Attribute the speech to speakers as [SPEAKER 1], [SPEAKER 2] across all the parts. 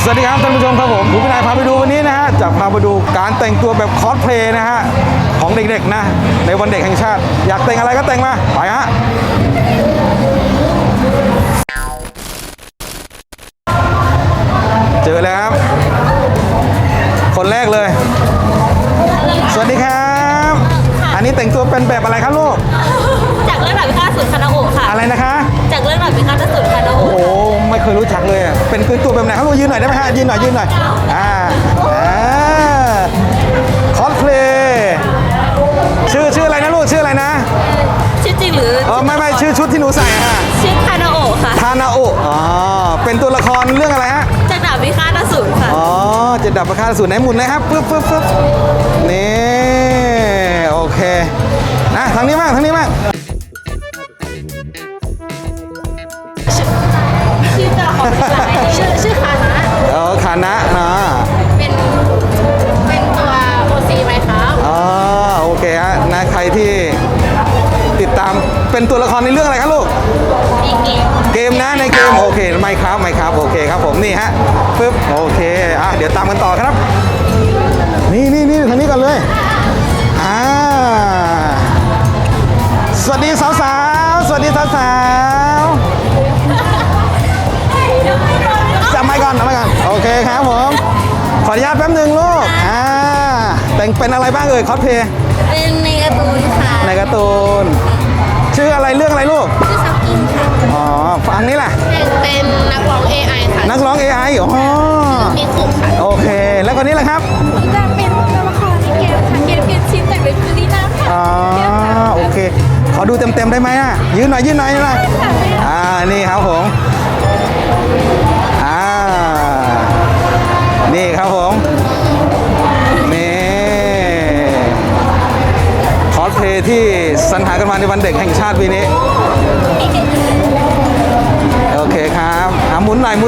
[SPEAKER 1] วัสดีครับท่านผู้ชมครับผมคุณพินายพาไปดูวันนี้นะฮะจะพาไปดูการแต่งตัวแบบคอสเพลย์นะฮะของเด็กๆนะในวันเด็กแห่งชาติอยากแต่งอะไรก็แต่งมาไปฮะเจอแล้วครับคนแรกเลยสวัสดีครับอันนี้แต่งตัวเป็นแบบอะไรครับลูก
[SPEAKER 2] จากเรื่องหลักวิคาสุดคานาโอะค่ะ
[SPEAKER 1] อะไรนะคะ
[SPEAKER 2] จากเรื่องหลักวิคาสุดคานาโอะ
[SPEAKER 1] โอ้ไม่เคยรู้จักเลยเป็นตัวแบบไหนครับลูกยืนหน่อยได้ไหมฮะยืนหน่อยคอสเพลย์ชื่ออะไรนะลูกชื่ออะไรนะ
[SPEAKER 2] ชื่อจริงหรือ
[SPEAKER 1] ไม่ชื่อชุดที่หนูใส่ฮะ
[SPEAKER 2] ชื่อคานาโอะค่ะ
[SPEAKER 1] คานาโอะเป็นตัวละครเรื่องอะไรฮะ
[SPEAKER 2] จากดาบวิคาตอสูรค่ะ
[SPEAKER 1] จะดับประคาสูรไหนหมุนเลยครับปึ๊บนี่โอเคนะทางนี้บ้าง
[SPEAKER 2] ชื่อตัวละครชื่อคานะ
[SPEAKER 1] คานะ
[SPEAKER 2] เป็นตัวโอซีไหมครับ
[SPEAKER 1] โอเคฮะนะใครที่ติดตามเป็นตัวละครในเรื่องอะไรครับลูกเกมนะในเกมโอเคไม่ครับโอเคครับผมนี่ฮะปึ๊บโอเคเดี๋ยวตามกันต่อครับนี่ทางนี้ก่อนเลยสวัสดีสาวๆจับไมค์ก่อนโอเคครับผมขออนุญาตแป๊บนึงลูกแต่งเป็นอะไรบ้างเอ่ยคอสเพลย์
[SPEAKER 2] เป็นในการ์ตูนค่ะ
[SPEAKER 1] ในการ์ตูนชื่ออะไรเรื่องอะไรลูก
[SPEAKER 2] ชื่อซับกินค่ะ
[SPEAKER 1] ฟังนี้แหละ
[SPEAKER 2] เป็นนักร้อง AI ค่ะ
[SPEAKER 1] นักร้อง AI
[SPEAKER 2] มีคุกค่ะ
[SPEAKER 1] โอเคแล้วคนนี้แหละครับ
[SPEAKER 2] จะเป็นตัวละครในเกมค่ะเกมเป็นชิ้นแต่เป็นฟูลิน่าค่ะ
[SPEAKER 1] โอเคขอดูเต็มได้ไหมยืนหน่อยนี่ครับผมนี่ครับผมนี่คอสเพลย์ที่สรรหากันมาในวันเด็กแห่งชาติปีนี้โอเคครับหมุนหน่อย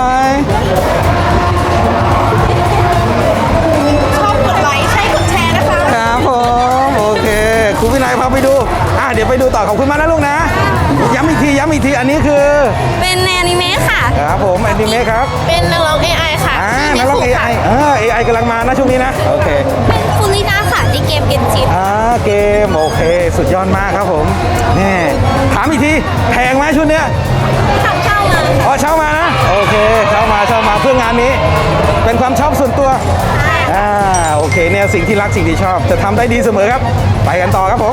[SPEAKER 2] ชอบกดไลค์ใช่กดแชร์นะคะ
[SPEAKER 1] ครับผมโอเคครูวินัยพาไปดูเดี๋ยวไปดูต่อขอบคุณมากนะลูกนะย้ำอีกทีอันนี้คือ
[SPEAKER 2] เป็นแอนิเมะค่ะ
[SPEAKER 1] ครับผมแอนิเมะครับ
[SPEAKER 2] เป็นนักร้อง AI ค่ะ
[SPEAKER 1] นักร้อง AI กำลังมานะช่วงนี้นะโอเค
[SPEAKER 2] เป็นฟูลิน่าค่ะที่เกมเกนชิน
[SPEAKER 1] เกมโอเคสุดยอดมากครับผมนี่ถามอีกทีแพงไหมชุดเนี้ย
[SPEAKER 2] เช่ามา
[SPEAKER 1] เช่ามานะโอเคเช่ามาเพื่องานนี้เป็นความชอบส่วนตัวโอเคเนี่ยสิ่งที่รักสิ่งที่ชอบจะทำได้ดีเสมอครับไปกันต่อครับผม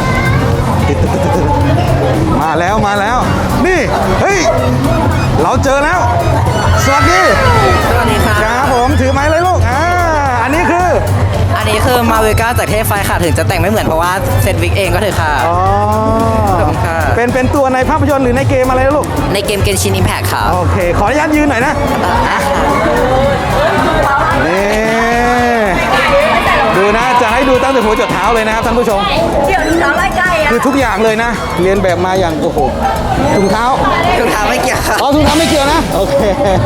[SPEAKER 1] มาแล้วนี่เฮ้ยเราเจอแล้วสวัสดีครับผมถือไม้เลยลูกอันนี้คือ
[SPEAKER 3] มาเวก้าจากเทพไฟค่ะถึงจะแต่งไม่เหมือนเพราะว่าเซตวิกเองก็เถอะค่ะ
[SPEAKER 1] ขอบคุณค่ะเป็นตัวในภาพยนตร์หรือในเกมอะไรลูก
[SPEAKER 3] ในเกมเกนชินอิมแพคค่ะ
[SPEAKER 1] โอเคขออนุญาตยืนหน่อยนะนี่ดูนะจะให้ดูตั้งแต่หัวจนเท้าเลยนะครับท่านผู้ชม
[SPEAKER 2] เดี๋ยวเท้าไล่ใกล้
[SPEAKER 1] คือทุกอย่างเลยนะเรียนแบบมาอย่างโอ้โหถุงเท้า
[SPEAKER 3] ไม่เกี่ยวค่ะ
[SPEAKER 1] ถุงเท้าไม่เกี่ยวนะโอเค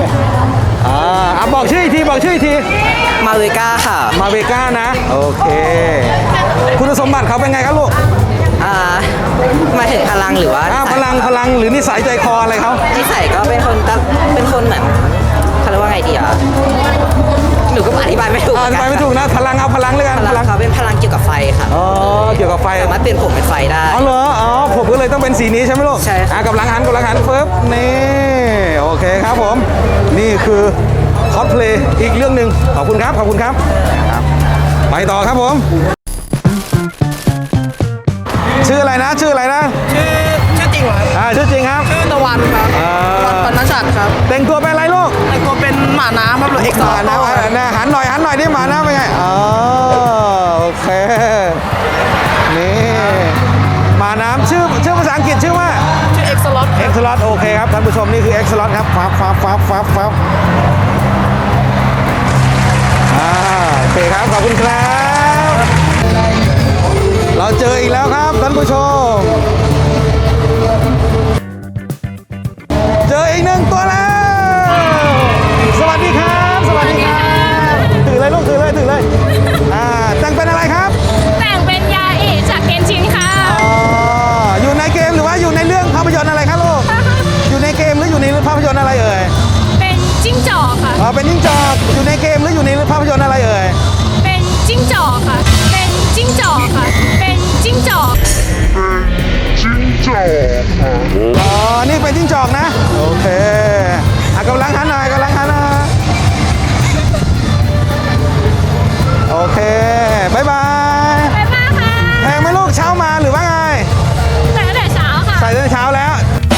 [SPEAKER 1] บอกชื่ออีกที
[SPEAKER 3] มาเวก้าค่ะ
[SPEAKER 1] มาเวก้านะโอเคคุณสมบัติเขาเป็นไงครับลูก
[SPEAKER 3] มาถึงพลังหรือว่า
[SPEAKER 1] พลังหรือนิสัยใจคออะไรเขา
[SPEAKER 3] นิสัยก็เป็นคนเหมือนเขาเรียกว่าไงดีหนูก็อธิบายไม่ถูก
[SPEAKER 1] นะพลังเอาพลังเลยกัน
[SPEAKER 3] พลังเขาเป็นพลังเกี่ยวกับไฟค่ะ
[SPEAKER 1] เกี่ยวกับไฟ
[SPEAKER 3] สามารถเปลี่ยนผมเป็นไฟได้
[SPEAKER 1] เหรอผมก็เลยต้องเป็นสีนี้ใช่ไหมลูก
[SPEAKER 3] ใช่
[SPEAKER 1] กับหลังหันปึ๊บนี่โอเคครับผมนี่คือคอสเพลย์อีกเรื่องหนึ่งขอบคุณครับไปต่อครับผมชื่ออะไรนะชื่อ
[SPEAKER 3] จริงเหรอ
[SPEAKER 1] ชื่อจริงครับ
[SPEAKER 3] ชื่อตะวันครับตะวันปนชัดครับ
[SPEAKER 1] แต่งตัวเป็นอะไรลูก
[SPEAKER 3] แต่งตัวเป็นหมาน้ำครับหรือเอกซ์
[SPEAKER 1] หมาน้ำหันหน่อยดิหมาน้ำเป็นไงโอเคนี่หมาน้ำชื่อภาษาอังกฤษชื่อว่า
[SPEAKER 3] ชื่อเอ็กซ์ล็อต
[SPEAKER 1] โอเคครับท่านผู้ชมนี่คือเอ็กซ์ล็อตครับฟับโอเคครับขอบคุณครับเราเจออีกแล้วครับท่านผู้ชมเจออีกหนึ่งตัวแล้วสวัสดีครับถือเลยลูกถือเลยแต่งเป็นอะไรครับ
[SPEAKER 2] แต่งเป็นยาอิจากเกนชินค่ะ
[SPEAKER 1] อยู่ในเกมหรือว่าอยู่ในเรื่องภาพยนตร์อะไรครับลูกอยู่ในเกมหรืออยู่ในภาพยนตร์อะไรเอ่ย
[SPEAKER 2] เป็นจิ้งจอกค่ะ
[SPEAKER 1] อ๋อเป็นจิ้งจอกอยู่ในเกมหรืออยู่ในภาพยนตร์อะไรเอ่ย
[SPEAKER 2] เป็นจิ้งจอกค่ะ เป็นจิ้งจอกค่ะ เป็นจิ้งจอก
[SPEAKER 1] อ๋อ นี่เป็นจิ้งจอกนะ โอเคกำลังหันหน่อยกำลังหันหน่อยโอเคบายบาย
[SPEAKER 2] ไปบ้านค่ะ
[SPEAKER 1] แพงไหมลูกเช้ามาหรือว่าไง
[SPEAKER 2] แต่ตั้งแต่เช้าค่ะ
[SPEAKER 1] ใส่ตั้งแต่เช้าแล้ว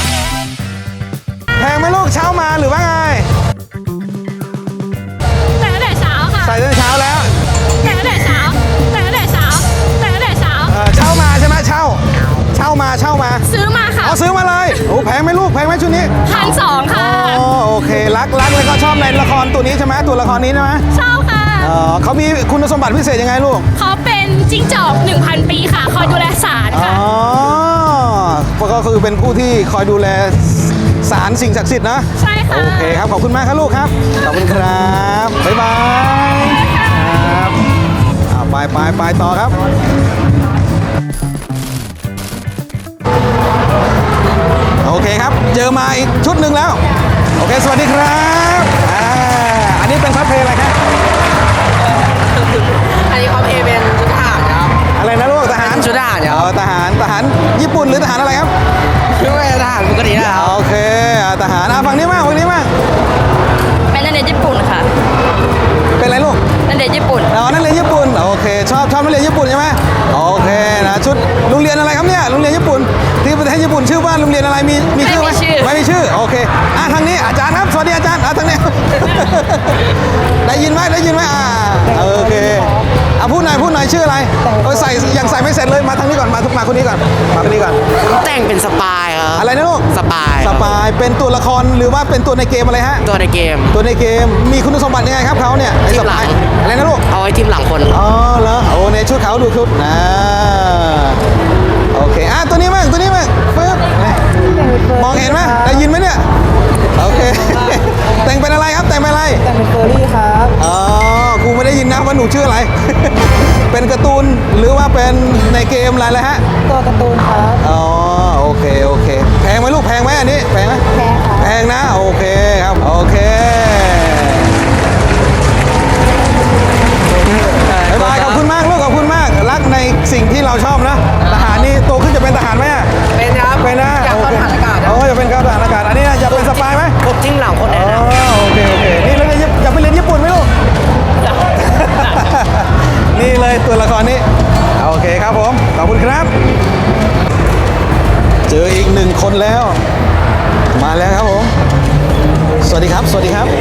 [SPEAKER 1] แพงไหมลูกเช้ามาหรือว่าไง
[SPEAKER 2] แต่ตั้งแต่เช้าค่ะ
[SPEAKER 1] ใส่ตั้งแต่เช้าแล้ว
[SPEAKER 2] แต่ตั้งแต่เช้าแต่ตั้งแต่เช้าแต่ตั้งแต่เช้า
[SPEAKER 1] เช่ามาใช่ไหมเช่ามา
[SPEAKER 2] ซื้อมาค่ะ
[SPEAKER 1] เอาซื้อมาเลยโอ้แพงไหมลูกแพงไหมชุดนี้
[SPEAKER 2] 1,200ค่ะ
[SPEAKER 1] อ๋อโอเครักแล้วก็ชอบในละครตัวนี้ใช่ไหมตัวละครนี้ใช่ไหม
[SPEAKER 2] ชอบค่ะ
[SPEAKER 1] เขามีคุณสมบัติพิเศษยังไงลูก
[SPEAKER 2] เขาเป็นจิ้งจอก 1,000 ปีค่ะ คอยดูแลศาล
[SPEAKER 1] อ๋
[SPEAKER 2] ค่ะ
[SPEAKER 1] อก็คือเป็นผู้ที่คอยดูแลศาลสิ่งศักดิ์สิทธิ์นะ
[SPEAKER 2] ใช่ค่ะ
[SPEAKER 1] โอเคครับขอบคุณมากครับลูกครับขอบคุณครับบ๊ายบายครับไปต่อครับ โอเคครับ เจอมาอีกชุดหนึ่งแล้ว โอเค สวัสดีครับอันนี้เป็นคอสเพลย์อะไรครับ
[SPEAKER 3] อันนี้เขาเป็นชุดทหารครับ
[SPEAKER 1] อะไรนะลูกทหาร
[SPEAKER 3] ชุดทหารครับ
[SPEAKER 1] ทหารญี่ปุ่นหรือทหารอะไรครับ
[SPEAKER 3] ไม่ว่าทหารปกตินะครับ
[SPEAKER 1] โอเคทหารฝั่งนี้มาก
[SPEAKER 2] เป็นนักเรียนญี่ปุ่นค่ะ
[SPEAKER 1] เป็นอะไรลูก
[SPEAKER 2] นักเรียนญี่ปุ่น
[SPEAKER 1] อ๋อนักเรียนญี่ปุ่นโอเคชอบนักเรียนญี่ปุ่นใช่ไหมโอเคนะชุดโรงเรียนอะไรครับเนี่ยโรงเรียนญี่ปุ่นที่ประเทศญี่ปุ่นชื่อว่าโรงเรียนอะไรมีชื่อไหมไม่มีชื่อโอเคทางนี้อาจารย์ครับสวัสดีอาจารย์ทางนี้ ได้ยินไหมโอเคพูดหน่อยชื่ออะไรใส่ยังใส่ไม่เสร็จเลยมาทางนี้ก่อนมาคนนี้ก่อน
[SPEAKER 3] แต่งเป็นสปายครับ
[SPEAKER 1] อะไรนะลูก
[SPEAKER 3] สปาย
[SPEAKER 1] สปายเป็นตัวละครหรือว่าเป็นตัวในเกมอะไรฮะ
[SPEAKER 3] ตัวในเกม
[SPEAKER 1] ตัวในเกมมีคุณสมบัติยังไงครับเขาเนี่ยไอ้สปายอะไรนะลูก
[SPEAKER 3] เอาไว้ทีมหลังคน
[SPEAKER 1] อ๋อเหรอโอ้ในชุดเขาดูชุดนะโอเคตัวนี้มั่งปึ๊บมองเห็นไหมได้ยินไหมเนี่ยโอเค แต่งเป็นอะไรครับแต่งเป็นอะไร
[SPEAKER 3] แต่งเป็นเฟอร์รี่ครับ
[SPEAKER 1] อ๋อครูไม่ได้ยินนะว่าหนูชื่ออะไร เป็นการ์ตูนหรือว่าเป็นในเกมอะไรเลยฮะ
[SPEAKER 3] ตัวการ์ตูนครับ
[SPEAKER 1] อ๋อโอเคแพงไหมลูกแพงไหมอันนี้แพงไหม
[SPEAKER 3] แพงค่ะ
[SPEAKER 1] แพงนะโอเคครับโอเคบ๊ายบายขอบคุณมากลูกขอบคุณมากรักในสิ่งที่เราชอบนะทหารนี่โตขึ้นจะเป็นทหารไหมอะ
[SPEAKER 3] เป็นครับ
[SPEAKER 1] เป็นนะ
[SPEAKER 3] อยากเข้าทหารอากาศ
[SPEAKER 1] โอ้จะเป็นครับทหารอากาศอันนี้จะเป็นสปายไหม
[SPEAKER 3] ผมทีมหลังคน
[SPEAKER 1] อ๋
[SPEAKER 3] แน่
[SPEAKER 1] อ
[SPEAKER 3] นะ
[SPEAKER 1] โอเคนี่แล้วอยากไปเรียนญี่ปุ่นไหมลูก นี่เลยตัวละครนี้โอเคครับผมขอบคุณครับ เจออีกหนึ่งคนแล้ว มาแล้วครับผมสวัสดีครับ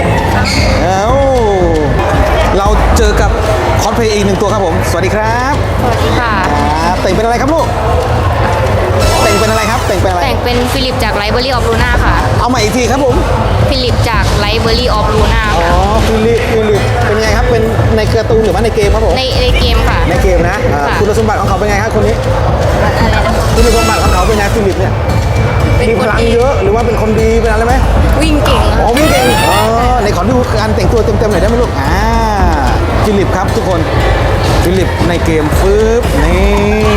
[SPEAKER 1] เราเจอกับคอสเพลย์อีกหนึ่งตัวครับผมสวัสดีครับ
[SPEAKER 2] สวัสดีค่ะ
[SPEAKER 1] แต่งเป็นอะไรครับลูกแต่งเป็นอะไรครับแต่งเป็นอะไร
[SPEAKER 2] แต่งเป็นฟิลิปจาก Library of Luna ค่ะ
[SPEAKER 1] เอาใหม่อีกทีครับผม
[SPEAKER 2] ฟิลิปจาก Library of Luna
[SPEAKER 1] อ๋อ
[SPEAKER 2] ค่ะ
[SPEAKER 1] ฟิลิปเป็นไงครับเป็นในการ์ตูนหรือว่าในเกมครับผม
[SPEAKER 2] ในเกมค่ะ
[SPEAKER 1] ในเกมนะ
[SPEAKER 2] ค่ะ
[SPEAKER 1] คุณสมบัติของเขาเป็นไงครับคนนี้
[SPEAKER 2] อะไรนะ
[SPEAKER 1] คุณสมบัติของเขาเป็นไงฟิลิปเนี่ย
[SPEAKER 2] เป็น
[SPEAKER 1] มี
[SPEAKER 2] ค
[SPEAKER 1] พ
[SPEAKER 2] น
[SPEAKER 1] ลัง
[SPEAKER 2] ดี
[SPEAKER 1] เยอะหรือว่าเป็นคนดีเป็นอะไรไหม
[SPEAKER 2] วิ่งเก่ง
[SPEAKER 1] อ๋อ
[SPEAKER 2] ค่ะ
[SPEAKER 1] วิ่งเก่งในขอดูการแต่งตัวเต็มๆหน่อยได้ไหมลูกฟิลิปครับทุกคนฟิลิปในเกมฟึบนี่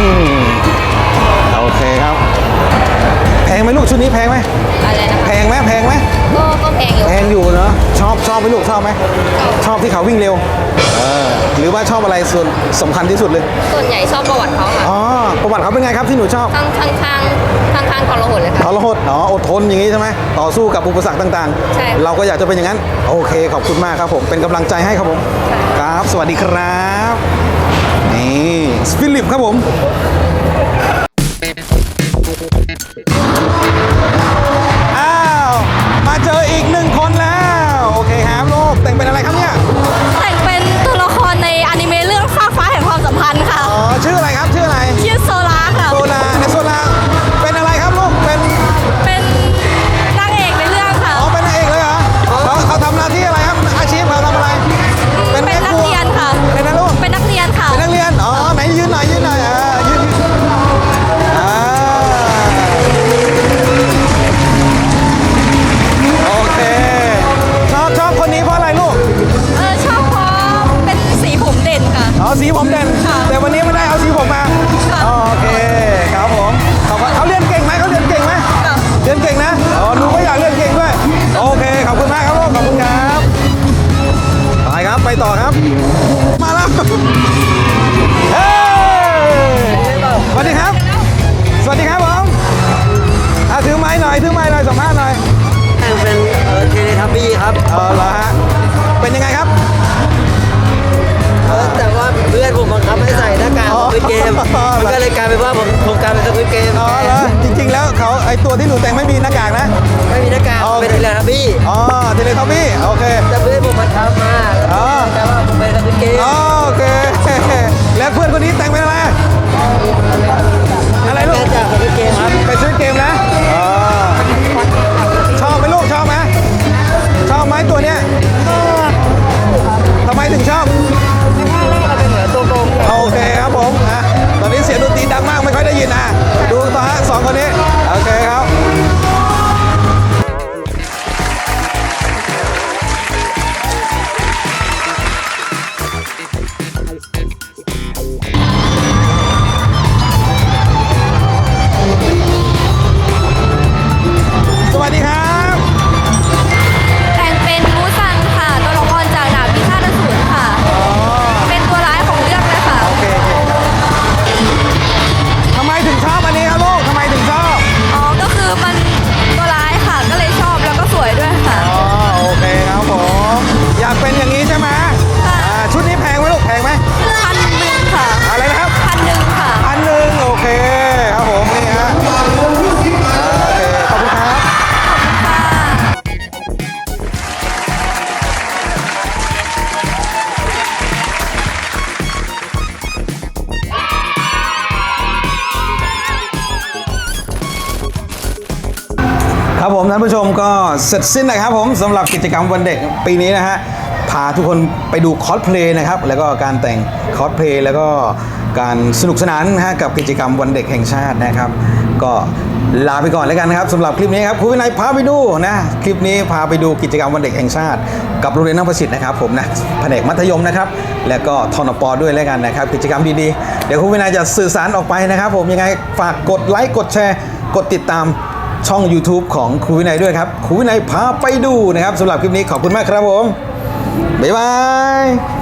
[SPEAKER 1] โอเคครับแพงไหมลูกชุดนี้แพงไหม
[SPEAKER 2] อะไรนะ
[SPEAKER 1] แพงไหม
[SPEAKER 2] ก็แพงอยู่
[SPEAKER 1] แพงอยู่เนาะชอบไหมลูกชอบไหมชอบที่เขาวิ่งเร็วหรือว่าชอบอะไรส่วนสำคัญที่สุดเลย
[SPEAKER 2] ส่วนใหญ่ชอบประวัติเขาค่ะ
[SPEAKER 1] อ๋อประวัติเขาเป็นไงครับที่หนูชอบ
[SPEAKER 2] ข้างทรหดเลยค่ะ
[SPEAKER 1] ทรหดอดทนอย่างนี้ใช่ไหมต่อสู้กับอุปสรรคต่าง
[SPEAKER 2] ใช่
[SPEAKER 1] เราก็อยากจะเป็นอย่างนั้นโอเคขอบคุณมากครับผมเป็นกำลังใจให้ครับผมครับสวัสดีครับนี่ฟิลิปครับผมอ้าวมาเจออีกหนึ่งคนแล้วโอเคครับลูกแต่งเป็นอะไรครับเนี่ย
[SPEAKER 2] แต่งเป็นตัวละครในอนิเมะเรื่องฟ้าฟ้าแห่งความสัมพันธ์ค่ะ
[SPEAKER 1] อ๋อชื่ออะไรครับชื่ออะไร
[SPEAKER 2] ชื่อโซลาค่ะ
[SPEAKER 1] โซลาในโซลาเป็นอะไรครับลูกเป็น
[SPEAKER 2] เป็นนางเอกในเรื่องค่ะ
[SPEAKER 1] อ๋อเป็นนางเอกเลยเหรอเขาทำหน้าที่อะไรครับอาชีพเขาทำอะไร
[SPEAKER 2] เป็นนักเรียนค่ะ
[SPEAKER 1] เป็นนะลูก
[SPEAKER 2] เป็นนักเรียนค่ะ
[SPEAKER 1] เป็นนักเรียนอ๋อไหนยืนหน่อยยืนอยถือไม้หน่อยสัมภาษณ์หน่อย
[SPEAKER 3] แต่งเป็นเทเลทับบี้ครับ
[SPEAKER 1] เหรอฮะเป็นยังไงครับ
[SPEAKER 3] แต่ว่าเพื่อนผมบังคับให้ใส่หน้ากากของเกมมันก็เลยกลายเป็นว่าผมกลายเป็นสควิดเกม
[SPEAKER 1] อ๋อเหรอจริงๆแล้วเขาไอตัวที่หนูแต่งไม่มีหน้ากากนะ
[SPEAKER 3] ไม่มีหน้ากากเป็นเทเลทับบี้
[SPEAKER 1] อ๋อเทเลทอมบี้โอเค
[SPEAKER 3] แต่เพื่อนผมบังคับมาแต่ว่าผมเป็นสควิดเกม
[SPEAKER 1] อ๋อโอเค แล้วเพื่อนคนนี้แต่งเป็นอะไรอะไรลูก
[SPEAKER 3] จากสควิดเกมครับ
[SPEAKER 1] ไปซื้อเกมนะอ๋อชอบไหมลูกชอบไหมชอบไหมตัวเนี้ยทำไมถึงชอบ
[SPEAKER 3] เป็นเหมือนตัวโกง
[SPEAKER 1] โอเคครับผมตอนนี้เสียงดนตรีดังมากไม่ค่อยได้ยินดูต่อฮะสองคนนี้โอเคครับ สวัสดีครับ
[SPEAKER 2] แต่งเป็นมูซังค่ะ ตัวละครจากดาบพิฆาตอสูรค่ะ เป็นตัวร้ายของเรื่องเลยค่ะ
[SPEAKER 1] โอเคทำไมถึงชอบอันนี้ครับลูกทำไมถึงชอบ
[SPEAKER 2] อ๋อ ก็คือมันตัวร้ายค่ะ ก็เลยชอบแล้วก็สวยด้วยค่ะ
[SPEAKER 1] อ๋อโอเคครับผมอยากเป็นอย่างนี้ใช่ไหม
[SPEAKER 2] ค่ะ
[SPEAKER 1] ชุดนี้แพงไหมลูกแพงไหม
[SPEAKER 2] 1,000ค่ะ
[SPEAKER 1] อะไรนะครับ
[SPEAKER 2] 1,000ค่ะ
[SPEAKER 1] 1,000โอเคครับผมนี่ฮะโอเคขอบคุณครับครับผมท่านผู้ชมก็เสร็จสิ้นนะครับผมสำหรับกิจกรรมวันเด็กปีนี้นะฮะพาทุกคนไปดูคอสเพลย์นะครับแล้วก็การแต่งคอสเพลย์แล้วก็การสนุกสนานนะฮะกับกิจกรรมวันเด็กแห่งชาตินะครับ ก็ลาไปก่อนแล้วกันนะครับสำหรับคลิปนี้ครับครูวินัยพาไปดูนะคลิปนี้พาไปดูกิจกรรมวันเด็กแห่งชาติ กับโรงเรียนน้ำประสิทธิ์นะครับผมนะแผนกมัธยมนะครับแล้วก็ทนปด้วยแล้วกันนะครับกิจกรรมดีๆเดี๋ยวครูวินัยจะสื่อสารออกไปนะครับผมยังไงฝากกดไลค์กดแชร์กดติดตามช่อง YouTube ของครูวินัยด้วยครับครูวินัยพาไปดูนะครับสำหรับคลิปนี้ขอบคุณมากครับผมบ๊ายบาย